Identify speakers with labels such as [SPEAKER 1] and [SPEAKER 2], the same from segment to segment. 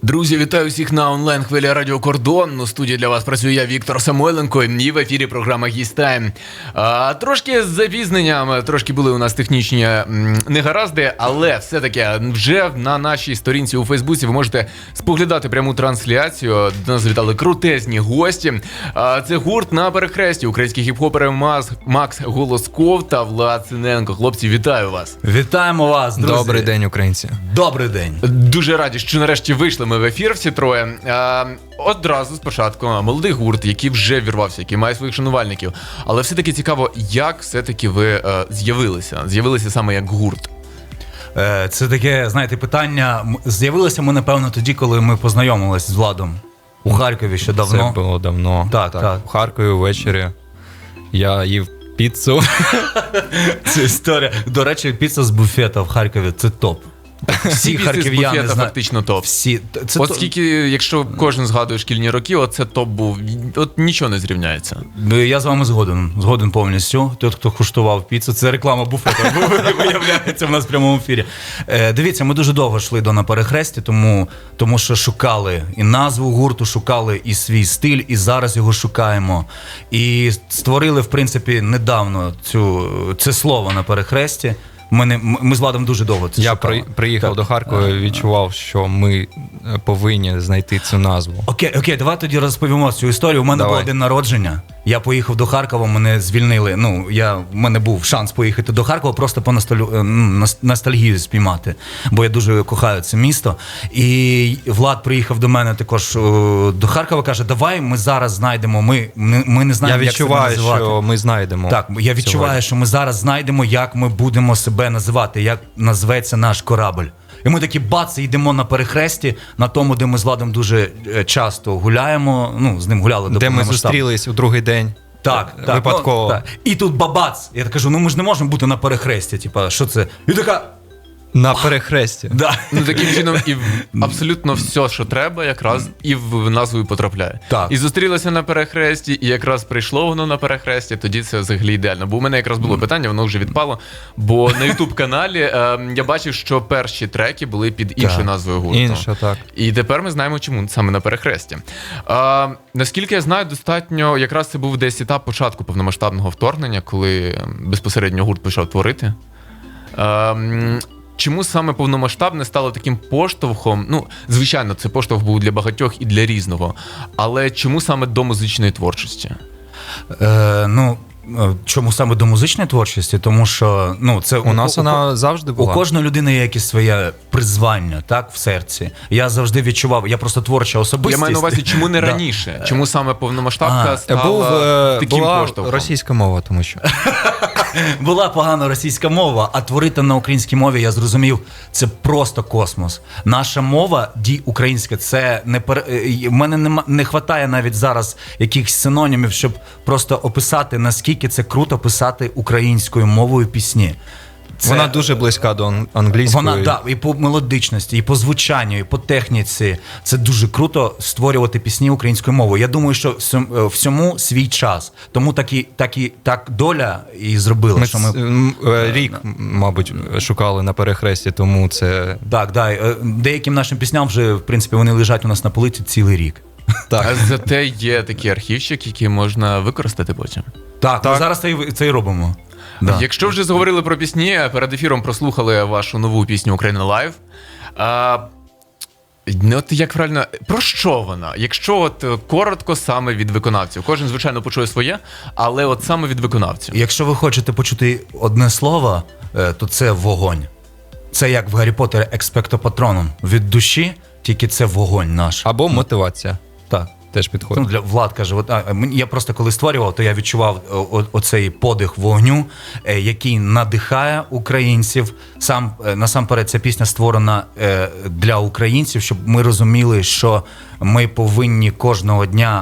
[SPEAKER 1] Друзі, вітаю всіх на онлайн-хвилі Радіо Кордон. У студії для вас працюю я, Віктор Самойленко, і в ефірі програма «Гістайм». Трошки з запізненням, трошки були у нас технічні негаразди, але все-таки вже на нашій сторінці у Фейсбуці ви можете споглядати пряму трансляцію. До нас завітали крутезні гості. Це гурт «На перехресті», українські хіп-хопери Макс Голосков та Влад Синенко. Хлопці, вітаю вас.
[SPEAKER 2] Вітаємо вас, друзі.
[SPEAKER 3] Добрий день, українці.
[SPEAKER 2] Добрий день.
[SPEAKER 1] Дуже раді, що нарешті вийшли ми в ефір всі троє. Одразу спочатку молодий гурт, який вже вірвався, який має своїх шанувальників. Але все-таки цікаво, як все-таки ви з'явилися саме як гурт?
[SPEAKER 2] Це таке, знаєте, питання. З'явилися ми, напевно, тоді, коли ми познайомилися з Владом у Харкові ще давно.
[SPEAKER 3] Це було давно.
[SPEAKER 2] Так.
[SPEAKER 3] У Харкові ввечері я їв піцу.
[SPEAKER 2] Це історія. До речі, піца з буфета в Харкові – це топ. Всі харків'яни знають.
[SPEAKER 1] Фактично топ.
[SPEAKER 2] Всі.
[SPEAKER 1] От скільки, якщо кожен згадує шкільні роки, оце топ був, от нічого не зрівняється.
[SPEAKER 2] Я з вами згоден повністю. Той, хто куштував піцу, це реклама буфета, виявляється в нас в прямому ефірі. Дивіться, ми дуже довго йшли до «На перехресті», тому що шукали і назву гурту, шукали і свій стиль, і зараз його шукаємо. І створили, в принципі, недавно це слово «На перехресті». Ми з Владом дуже довго це шукали.
[SPEAKER 3] Я приїхав до Харкова і відчував, що ми повинні знайти цю назву.
[SPEAKER 2] Окей, давай тоді розповімо цю історію. У мене був день народження. Я поїхав до Харкова, мене звільнили. В мене був шанс поїхати до Харкова, просто по ностальгію спіймати, бо я дуже кохаю це місто. І Влад приїхав до мене також до Харкова, каже, давай ми зараз знайдемо, ми не знаємо, як себе називати.
[SPEAKER 3] Я відчуваю, що ми знайдемо.
[SPEAKER 2] Так, я відчуваю, що ми зараз знайдемо, як ми будемо себе називати, як назветься наш корабль. І ми такі йдемо на перехресті, на тому, де ми з Владом дуже часто гуляємо, з ним гуляли до
[SPEAKER 3] де ми зустрілись у другий день.
[SPEAKER 2] Так,
[SPEAKER 3] випадково.
[SPEAKER 2] Так. І тут бабац. Я кажу, ми ж не можемо бути на перехресті, що це? І така...
[SPEAKER 3] На перехресті.
[SPEAKER 2] Да.
[SPEAKER 1] Таким чином і абсолютно все, що треба, якраз і в назву відповідає.
[SPEAKER 2] Так.
[SPEAKER 1] І зустрілося на перехресті, і якраз прийшло воно на перехресті, тоді це взагалі ідеально. Бо у мене якраз було питання, воно вже відпало, бо на YouTube-каналі я бачив, що перші треки були під іншою назвою гурту.
[SPEAKER 3] Інша, так.
[SPEAKER 1] І тепер ми знаємо, чому саме на перехресті. Наскільки я знаю, достатньо, якраз це був десь етап початку повномасштабного вторгнення, коли безпосередньо гурт почав творити. Чому саме повномасштабне стало таким поштовхом? Звичайно, це поштовх був для багатьох і для різного. Але чому саме до музичної творчості?
[SPEAKER 2] Чому саме до музичної творчості? Тому що це
[SPEAKER 3] у нас вона завжди була.
[SPEAKER 2] У кожної людини є якесь своє призвання, так, в серці. Я завжди відчував, я просто творча особистість.
[SPEAKER 1] Я маю на увазі, чому не раніше? Чому саме повномасштабка стала таким поштовхом?
[SPEAKER 3] Була російська мова, тому що.
[SPEAKER 2] Була погана російська мова, а творити на українській мові, я зрозумів, це просто космос. Наша мова, українська, це не в мене не вистачає навіть зараз якихось синонімів, щоб просто описати, наскільки це круто писати українською мовою пісні.
[SPEAKER 3] Вона дуже близька до англійської.
[SPEAKER 2] Вона, і по мелодичності, і по звучанню, і по техніці. Це дуже круто створювати пісні українською мовою. Я думаю, що всьому свій час. Тому так доля і зробила.
[SPEAKER 3] Рік, мабуть, шукали на перехресті, тому це...
[SPEAKER 2] Так. Деяким нашим пісням вже, в принципі, вони лежать у нас на полиці цілий рік.
[SPEAKER 1] Так. А зате є такий архівчик, який можна використати потім.
[SPEAKER 2] Так. Ми зараз це і робимо. Да.
[SPEAKER 1] Якщо вже заговорили про пісні, перед ефіром прослухали вашу нову пісню «Україна Лайв». От як правильно, про що вона? Якщо коротко саме від виконавців. Кожен, звичайно, почує своє, але от саме від виконавців.
[SPEAKER 2] Якщо ви хочете почути одне слово, то це вогонь. Це як в Гаррі Поттері «Експекто патронум». Від душі, тільки це вогонь наш.
[SPEAKER 3] Або мотивація.
[SPEAKER 2] Так.
[SPEAKER 3] Теж підходить.
[SPEAKER 2] Влад каже, я просто коли створював, то я відчував оцей подих вогню, який надихає українців. Насамперед, ця пісня створена для українців, щоб ми розуміли, що ми повинні кожного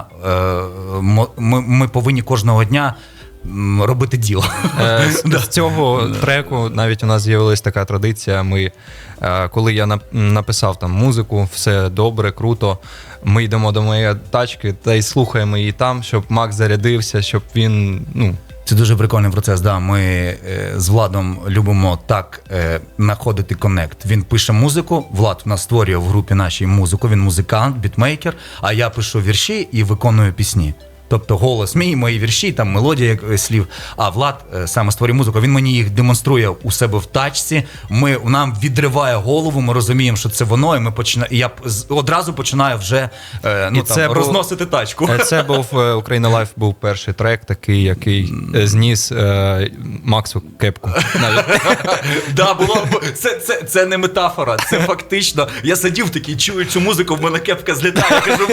[SPEAKER 2] дня робити діло.
[SPEAKER 3] З цього треку навіть у нас з'явилась така традиція. Коли я написав там музику, все добре, круто, ми йдемо до моєї тачки та й слухаємо її там, щоб Макс зарядився, щоб він
[SPEAKER 2] Це дуже прикольний процес. Да. Ми з Владом любимо так знаходити коннект. Він пише музику, Влад в нас створює в групі нашій музику, він музикант, бітмейкер, а я пишу вірші і виконую пісні. Тобто голос мій, мої вірші, там мелодія слів. А Влад саме створює музику, він мені їх демонструє у себе в тачці. Нам відриває голову, ми розуміємо, що це воно, і я одразу починаю вже розносити тачку.
[SPEAKER 3] Це був Україна Лайф, був перший трек такий, який зніс Максу кепку.
[SPEAKER 2] Це не метафора, це фактично. Я сидів такий, чую цю музику, в мене кепка злітає, я кажу,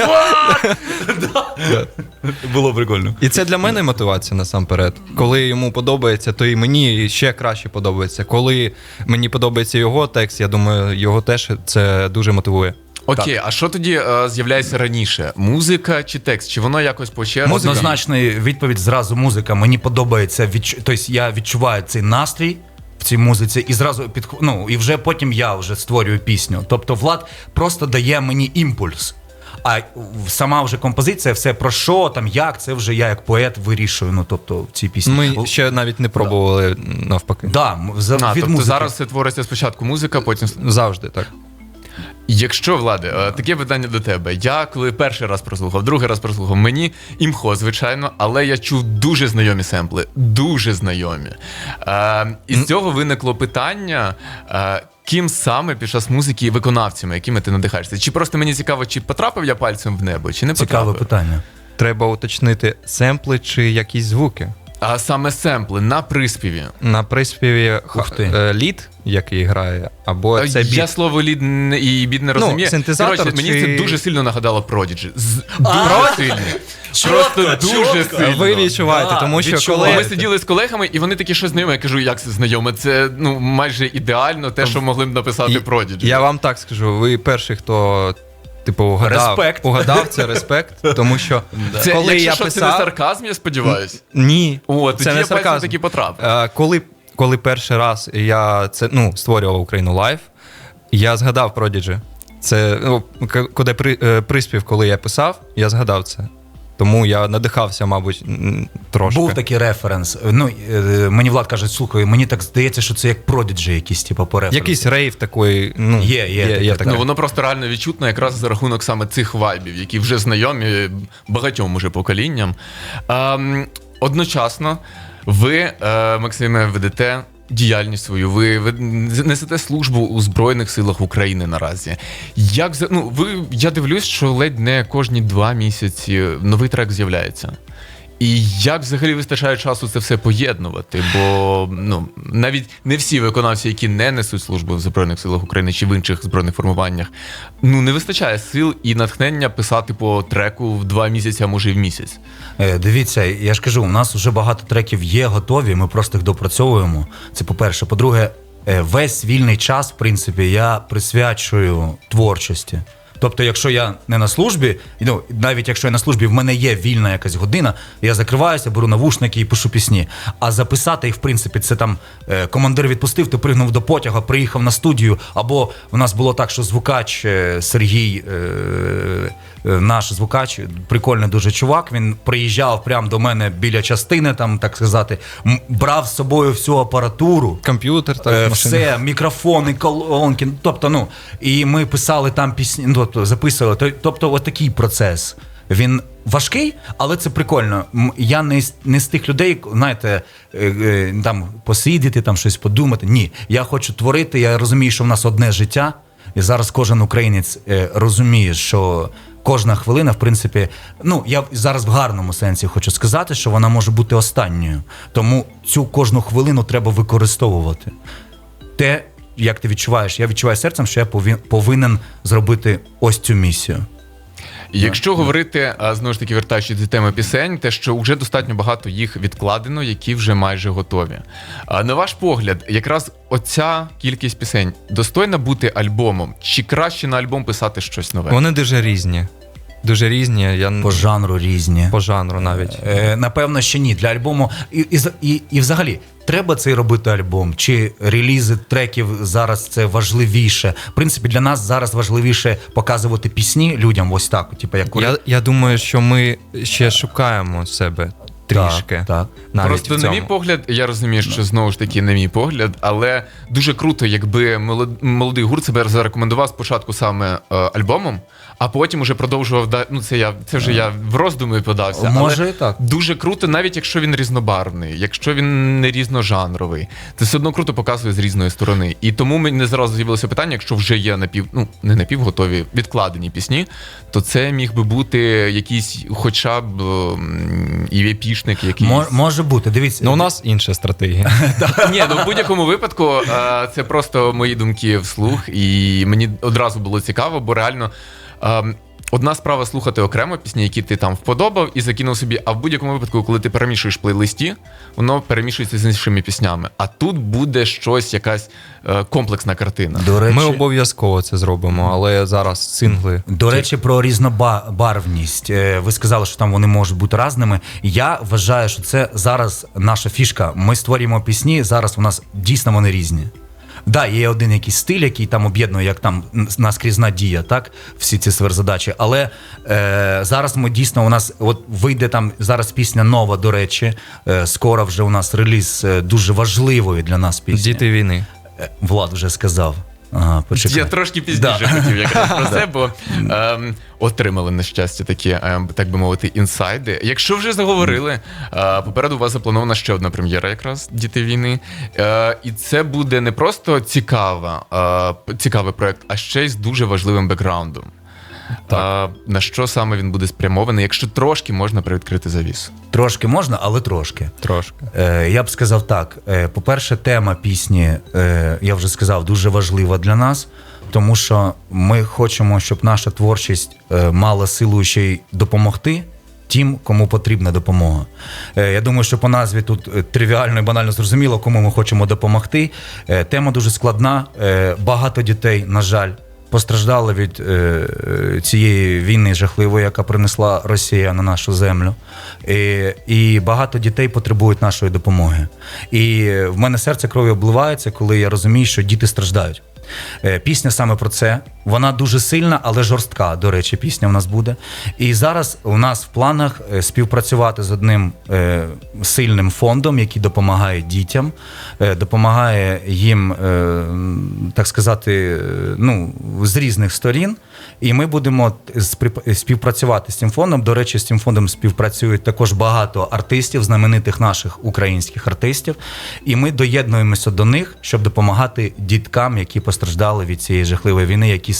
[SPEAKER 2] «What?» Було прикольно.
[SPEAKER 3] І це для мене мотивація насамперед. Коли йому подобається, то і мені ще краще подобається. Коли мені подобається його текст, я думаю, його теж це дуже мотивує.
[SPEAKER 1] Окей, а що тоді з'являється раніше? Музика чи текст? Чи воно якось по черзі?
[SPEAKER 2] Однозначна відповідь зразу музика. Мені подобається, тобто я відчуваю цей настрій в цій музиці і зразу і вже потім я вже створюю пісню. Тобто Влад просто дає мені імпульс. А сама вже композиція, все про що, там як, це вже я як поет вирішую, тобто в цій пісні.
[SPEAKER 3] Ми ще навіть не пробували навпаки.
[SPEAKER 2] Да, від
[SPEAKER 1] тобто зараз це твориться спочатку музика, потім...
[SPEAKER 3] Завжди, так.
[SPEAKER 1] Якщо, Владе, таке питання до тебе. Я коли перший раз прослухав, другий раз прослухав, мені імхо, звичайно, але я чув дуже знайомі семпли, дуже знайомі. І з цього виникло питання, ким саме під час музики виконавцями, якими ти надихаєшся? Чи просто мені цікаво, чи потрапив я пальцем в небо, чи не потрапив?
[SPEAKER 2] Цікаве питання.
[SPEAKER 3] Треба уточнити семпли чи якісь звуки.
[SPEAKER 1] А саме семпли на приспіві.
[SPEAKER 3] На приспіві лід, який грає, або це біт.
[SPEAKER 1] Я слово лід і біт не розумію.
[SPEAKER 3] Синтезатор.
[SPEAKER 1] Коротше, мені це дуже сильно нагадало Prodigy. Дуже сильно. Просто дуже сильно.
[SPEAKER 3] Ви відчуваєте, тому що коли...
[SPEAKER 1] Ми сиділи з колегами, і вони такі, що знайоме. Я кажу, як це знайоме? Це майже ідеально те, що могли б написати Prodigy.
[SPEAKER 3] Я вам так скажу, ви перший, хто... угадав, це респект, тому що коли я писав...
[SPEAKER 1] Це не сарказм, я сподіваюся?
[SPEAKER 3] Ні,
[SPEAKER 1] це не сарказм. Таки потрапив.
[SPEAKER 3] Коли перший раз я створював Україну Лайф, я згадав Prodigy. Це, коли приспів, коли я писав, я згадав це. Тому я надихався, мабуть, трошки.
[SPEAKER 2] Був такий референс. Мені Влад каже, слухай, мені так здається, що це як Prodigy якісь, по референсу.
[SPEAKER 3] Якийсь рейв такий,
[SPEAKER 2] є
[SPEAKER 3] таке.
[SPEAKER 1] Воно просто реально відчутно якраз за рахунок саме цих вайбів, які вже знайомі багатьом уже поколінням. Одночасно ви, Максиме, ведете діяльність свою, ви несете службу у Збройних силах України наразі. Я дивлюсь, що ледь не кожні 2 місяці новий трек з'являється. І як взагалі вистачає часу це все поєднувати? Бо навіть не всі виконавці, які не несуть службу в Збройних силах України чи в інших збройних формуваннях, не вистачає сил і натхнення писати по треку в 2 місяці, а може і в місяць.
[SPEAKER 2] Дивіться, я ж кажу, у нас вже багато треків є готові, ми просто їх допрацьовуємо. Це по-перше. По-друге, весь вільний час, в принципі, я присвячую творчості. Тобто, якщо я не на службі, навіть якщо я на службі, в мене є вільна якась година, я закриваюся, беру навушники і пишу пісні. А записати їх, в принципі, це там командир відпустив, ти пригнув до потяга, приїхав на студію, або у нас було так, що звукач Сергій, наш звукач, прикольний дуже чувак, він приїжджав прямо до мене біля частини, там, так сказати, брав з собою всю апаратуру.
[SPEAKER 3] Комп'ютер,
[SPEAKER 2] все, мікрофони, колонки, тобто, і ми писали там пісні, записували, тобто отакий процес. Він важкий, але це прикольно. Я не з тих людей, знаєте, там посидіти, там щось подумати. Ні, я хочу творити, я розумію, що в нас одне життя, і зараз кожен українець розуміє, що кожна хвилина, в принципі, я зараз в гарному сенсі хочу сказати, що вона може бути останньою. Тому цю кожну хвилину треба використовувати. Те, як ти відчуваєш, я відчуваю серцем, що я повинен зробити ось цю місію.
[SPEAKER 1] Якщо говорити, знову ж таки, вертаючись до теми пісень, те, що вже достатньо багато їх відкладено, які вже майже готові. На ваш погляд, якраз оця кількість пісень достойна бути альбомом? Чи краще на альбом писати щось нове?
[SPEAKER 3] Вони дуже різні. Дуже різні.
[SPEAKER 2] По жанру різні.
[SPEAKER 3] По жанру навіть.
[SPEAKER 2] Напевно, ще ні. Для альбому. І взагалі, треба цей робити альбом? Чи релізи треків зараз це важливіше? В принципі, для нас зараз важливіше показувати пісні людям ось так. Типу, як...
[SPEAKER 3] Я думаю, що ми ще шукаємо себе. трішки.
[SPEAKER 2] Так.
[SPEAKER 3] Навіть
[SPEAKER 1] Просто,
[SPEAKER 3] в
[SPEAKER 1] на
[SPEAKER 3] цьому.
[SPEAKER 1] мій погляд, я розумію, що знову ж таки, на мій погляд, але дуже круто, якби молодий гурт себе зарекомендував спочатку саме альбомом, а потім уже продовжував. Ну, це вже я в роздуми подався.
[SPEAKER 2] Може
[SPEAKER 1] але
[SPEAKER 2] і так.
[SPEAKER 1] дуже круто, навіть якщо він різнобарвний, якщо він не різножанровий, це все одно круто показує з різної сторони. І тому мені зразу з'явилося питання, якщо вже є не напівготові, відкладені пісні, то це міг би бути якийсь хоча б і епішник якийсь.
[SPEAKER 2] Може бути, дивіться.
[SPEAKER 3] Ну, у нас інша стратегія.
[SPEAKER 1] Ні, ну в будь-якому випадку це просто мої думки вслух, і мені одразу було цікаво, бо реально одна справа слухати окремо пісні, які ти там вподобав і закинув собі, а в будь-якому випадку, коли ти перемішуєш плейлисті, воно перемішується з іншими піснями. А тут буде щось, якась комплексна картина.
[SPEAKER 2] До речі,
[SPEAKER 3] Ми обов'язково це зробимо, але зараз сингли.
[SPEAKER 2] До речі, про різнобарвність. Ви сказали, що там вони можуть бути разними. Я вважаю, що це зараз наша фішка. Ми створюємо пісні, зараз у нас дійсно вони різні. Да, є один якийсь стиль, який там об'єднує, як там наскрізна дія, так, всі ці сверхзадачі. Але зараз ми дійсно, у нас от вийде там зараз пісня нова, до речі. Скоро вже у нас реліз дуже важливої для нас пісні.
[SPEAKER 3] Діти війни.
[SPEAKER 2] Влад вже сказав. Ага, почекай.
[SPEAKER 1] Я трошки пізніше хотів якраз про це, бо отримали, на щастя, такі, так би мовити, інсайди. Якщо вже заговорили, попереду у вас запланована ще одна прем'єра якраз «Діти війни». І це буде не просто цікавий проєкт, а ще й з дуже важливим бекграундом. На що саме він буде спрямований, якщо трошки можна привідкрити завісу?
[SPEAKER 2] Трошки можна, але трошки.
[SPEAKER 3] Трошки.
[SPEAKER 2] Я б сказав так. По-перше, тема пісні, я вже сказав, дуже важлива для нас, тому що ми хочемо, щоб наша творчість мала силу ще й допомогти тим, кому потрібна допомога. Я думаю, що по назві тут тривіально і банально зрозуміло, кому ми хочемо допомогти. Тема дуже складна. Багато дітей, на жаль, постраждали від цієї війни жахливої, яка принесла Росія на нашу землю. І багато дітей потребують нашої допомоги. І в мене серце кров'ю обливається, коли я розумію, що діти страждають. Пісня саме про це. Вона дуже сильна, але жорстка, до речі, пісня в нас буде. І зараз у нас в планах співпрацювати з одним сильним фондом, який допомагає дітям, допомагає їм, так сказати, ну, з різних сторін. І ми будемо співпрацювати з цим фондом. До речі, з цим фондом співпрацюють також багато артистів, знаменитих наших українських артистів. І ми доєднуємося до них, щоб допомагати діткам, які постраждали від цієї жахливої війни, які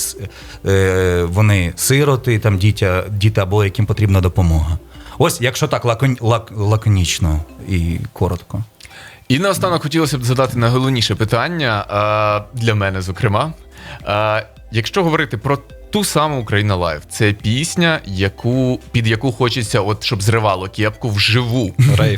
[SPEAKER 2] вони сироти, там діти або яким потрібна допомога. Ось, якщо так лаконічно і коротко.
[SPEAKER 1] І наостанок хотілося б задати найголовніше питання, для мене, зокрема. Якщо говорити про ту саму «Україна Лайв», це пісня, під яку хочеться, от, щоб зривало кепку вживу.
[SPEAKER 3] Рейв.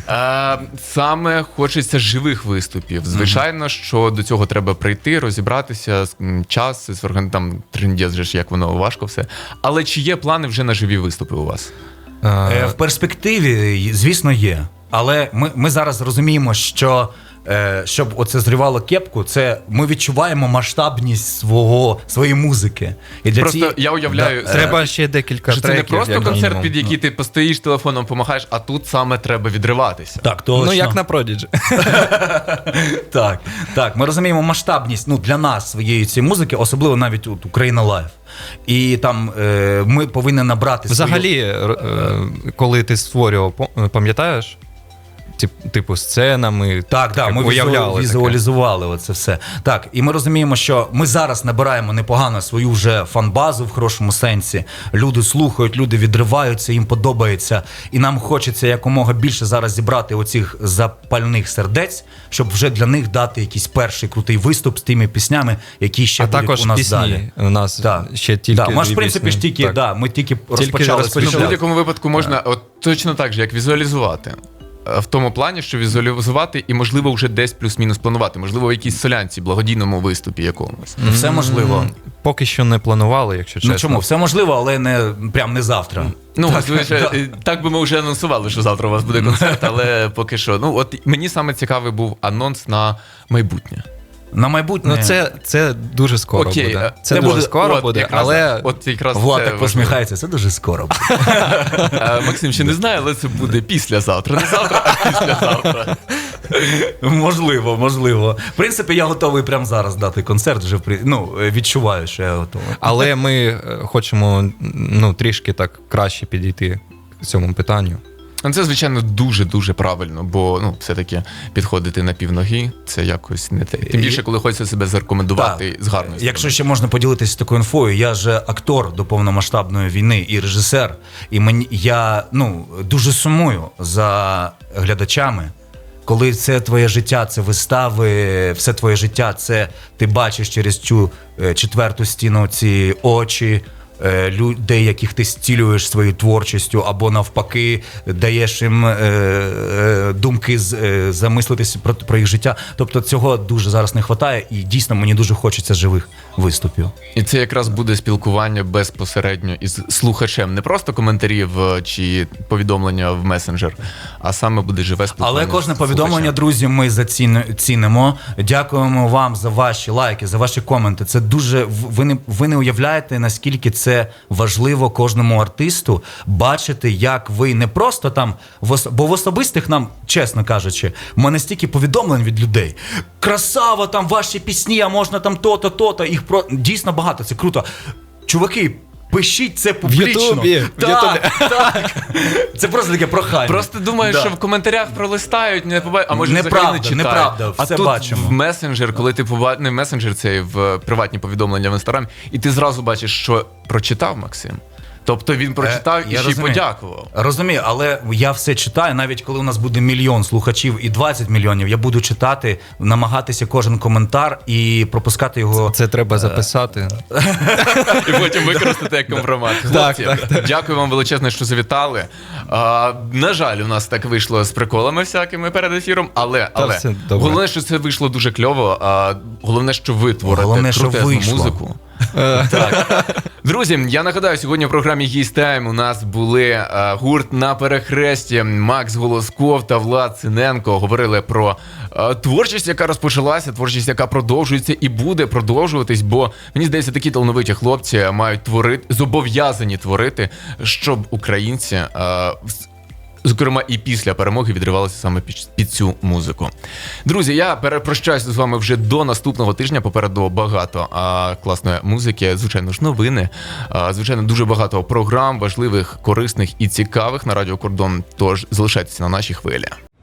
[SPEAKER 1] Саме хочеться живих виступів. Звичайно, що до цього треба прийти, розібратися, час, там трендець же ж, як воно важко все. Але чи є плани вже на живі виступи у вас?
[SPEAKER 2] В перспективі, звісно, є. Але ми зараз розуміємо, що щоб оце зривало кепку, це ми відчуваємо масштабність своєї музики. І для
[SPEAKER 1] Просто я уявляю,
[SPEAKER 3] Треба ще декілька
[SPEAKER 1] що це
[SPEAKER 3] треків.
[SPEAKER 1] не просто
[SPEAKER 3] як
[SPEAKER 1] концерт,
[SPEAKER 3] мінімум.
[SPEAKER 1] під який ти постоїш телефоном, помахаєш, а тут саме треба відриватися.
[SPEAKER 2] Так, точно.
[SPEAKER 3] Ну, як на Prodigy.
[SPEAKER 2] Так, ми розуміємо масштабність, ну, для нас своєї цієї музики, особливо навіть от «Україна Лайв». І там ми повинні набрати
[SPEAKER 3] Взагалі, коли ти створював, пам'ятаєш? Типу сценами.
[SPEAKER 2] Так, ми
[SPEAKER 3] уявляли
[SPEAKER 2] візуалізували оце все. Так, і ми розуміємо, що ми зараз набираємо непогано свою вже фан-базу в хорошому сенсі. Люди слухають, люди відриваються, їм подобається. І нам хочеться якомога більше зараз зібрати оцих запальних сердець, щоб вже для них дати якийсь перший крутий виступ з тими піснями, які ще будуть
[SPEAKER 3] також
[SPEAKER 2] у нас
[SPEAKER 3] пісні.
[SPEAKER 2] далі.
[SPEAKER 3] У нас ще тільки
[SPEAKER 2] ми ж, в принципі,
[SPEAKER 3] пісні.
[SPEAKER 2] ми тільки розпочали свій
[SPEAKER 1] Ну, в
[SPEAKER 2] шлях.
[SPEAKER 1] будь-якому випадку можна от точно так же, як візуалізувати. В тому плані, що візуалізувати і, можливо, вже десь плюс-мінус планувати. Можливо, в якійсь солянці, благодійному виступі якомусь.
[SPEAKER 2] Все можливо.
[SPEAKER 3] Поки що не планували, якщо чесно.
[SPEAKER 2] Ну чому? Все можливо, але не завтра.
[SPEAKER 1] Ну, так би ми вже анонсували, що завтра у вас буде концерт, але поки що. Ну, от мені саме цікавий був анонс на майбутнє.
[SPEAKER 2] На майбутнє.
[SPEAKER 3] Ну, це дуже скоро
[SPEAKER 1] Окей,
[SPEAKER 3] буде.
[SPEAKER 2] це
[SPEAKER 3] Це дуже
[SPEAKER 2] буде-
[SPEAKER 3] скоро
[SPEAKER 1] От
[SPEAKER 3] буде,
[SPEAKER 1] якраз-
[SPEAKER 3] але
[SPEAKER 1] от якраз
[SPEAKER 2] Влад
[SPEAKER 1] це
[SPEAKER 2] так
[SPEAKER 1] важливо.
[SPEAKER 2] посміхається, це дуже скоро буде.
[SPEAKER 1] Максим ще не знає, але це буде післязавтра. Не завтра, а післязавтра.
[SPEAKER 2] Можливо. В принципі, я готовий прямо зараз дати концерт, вже відчуваю, що я готовий.
[SPEAKER 3] Але ми хочемо трішки так краще підійти к цьому питанню.
[SPEAKER 1] Ну, це, звичайно, дуже-дуже правильно, бо все-таки підходити на півноги це якось не те. Тим більше, коли хочеться себе зарекомендувати з гарною сторони.
[SPEAKER 2] Якщо ще можна поділитися такою інфою, я же актор до повномасштабної війни і режисер, і я дуже сумую за глядачами. Коли це твоє життя, це вистави, все твоє життя, це ти бачиш через цю четверту стіну ці очі людей, яких ти зцілюєш своєю творчістю, або навпаки даєш їм думки замислитися про їх життя. Тобто цього дуже зараз не вистачає, і дійсно мені дуже хочеться живих виступів.
[SPEAKER 1] І це якраз буде спілкування безпосередньо із слухачем. Не просто коментарів чи повідомлення в месенджер, а саме буде живе спілкування.
[SPEAKER 2] Але кожне
[SPEAKER 1] з
[SPEAKER 2] повідомлення,
[SPEAKER 1] слухачем.
[SPEAKER 2] друзі, ми цінимо. Дякуємо вам за ваші лайки, за ваші коменти. Це дуже ви не уявляєте, наскільки це важливо кожному артисту бачити, як ви не просто там бо в особистих нам, чесно кажучи, в мене стільки повідомлень від людей. Красава, там ваші пісні, а можна там то-то, то-то. Їх дійсно багато, це круто. Чуваки, пишіть це публічно.
[SPEAKER 3] Ютубі.
[SPEAKER 2] Так. Це просто таке прохання.
[SPEAKER 1] Просто думаєш,
[SPEAKER 2] Да.
[SPEAKER 1] що в коментарях пролистають, не побачать, а може
[SPEAKER 2] Неправда,
[SPEAKER 1] взагалі не читають.
[SPEAKER 2] неправда,
[SPEAKER 1] А
[SPEAKER 2] все
[SPEAKER 1] тут
[SPEAKER 2] бачимо.
[SPEAKER 1] в месенджер, коли ти не в месенджер, це в приватні повідомлення в інстаграмі, і ти зразу бачиш, що прочитав Максим. Тобто він прочитав і
[SPEAKER 2] я
[SPEAKER 1] ще й
[SPEAKER 2] розумію.
[SPEAKER 1] подякував.
[SPEAKER 2] Розумію, але я все читаю, навіть коли у нас буде 1 мільйон слухачів і 20 мільйонів, я буду читати, намагатися кожен коментар і пропускати його.
[SPEAKER 3] Це треба записати.
[SPEAKER 1] І потім використати як компромат. Хлопці, дякую вам величезно, що завітали. На жаль, у нас так вийшло з приколами всякими перед ефіром, але
[SPEAKER 3] все добре.
[SPEAKER 1] головне, що це вийшло дуже кльово. Головне, що ви творите
[SPEAKER 2] Головне, що
[SPEAKER 1] крутезну
[SPEAKER 2] вийшло.
[SPEAKER 1] музику. Так. Друзі, я нагадаю, сьогодні в програмі «Гість Тайм» у нас були гурт «На перехресті», Макс Голосков та Влад Синенко. Говорили про творчість, яка розпочалася, творчість, яка продовжується і буде продовжуватись, бо, мені здається, такі талановиті хлопці мають творити, зобов'язані творити, щоб українці, зокрема і після перемоги, відривалися саме під цю музику. Друзі, я прощаюся з вами вже до наступного тижня. Попереду багато класної музики, звичайно ж, новини, звичайно, дуже багато програм, важливих, корисних і цікавих на Радіо Кордон. Тож залишайтеся на нашій хвилі.